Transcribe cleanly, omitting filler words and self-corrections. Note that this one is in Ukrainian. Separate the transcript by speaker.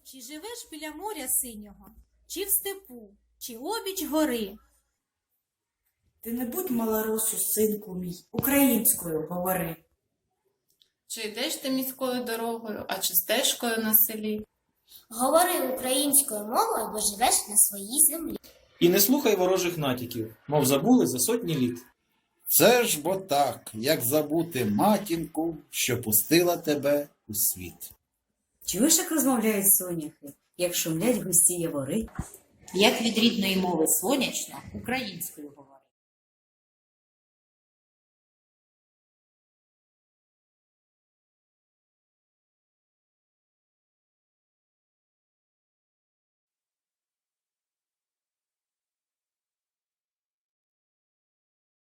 Speaker 1: Чи живеш біля моря синього, чи в степу, чи обіч гори?
Speaker 2: Ти не будь малоросу, синку мій, українською говори.
Speaker 3: Чи йдеш ти міською дорогою, а чи стежкою на селі?
Speaker 4: Говори українською мовою, бо живеш на своїй землі.
Speaker 5: І не слухай ворожих натяків, мов забули за сотні літ.
Speaker 6: Це ж бо так, як забути матінку, що пустила тебе у світ.
Speaker 7: Чуєш, як розмовляють соняхи, як шумлять густі явори?
Speaker 8: Як від рідної мови сонячно, українською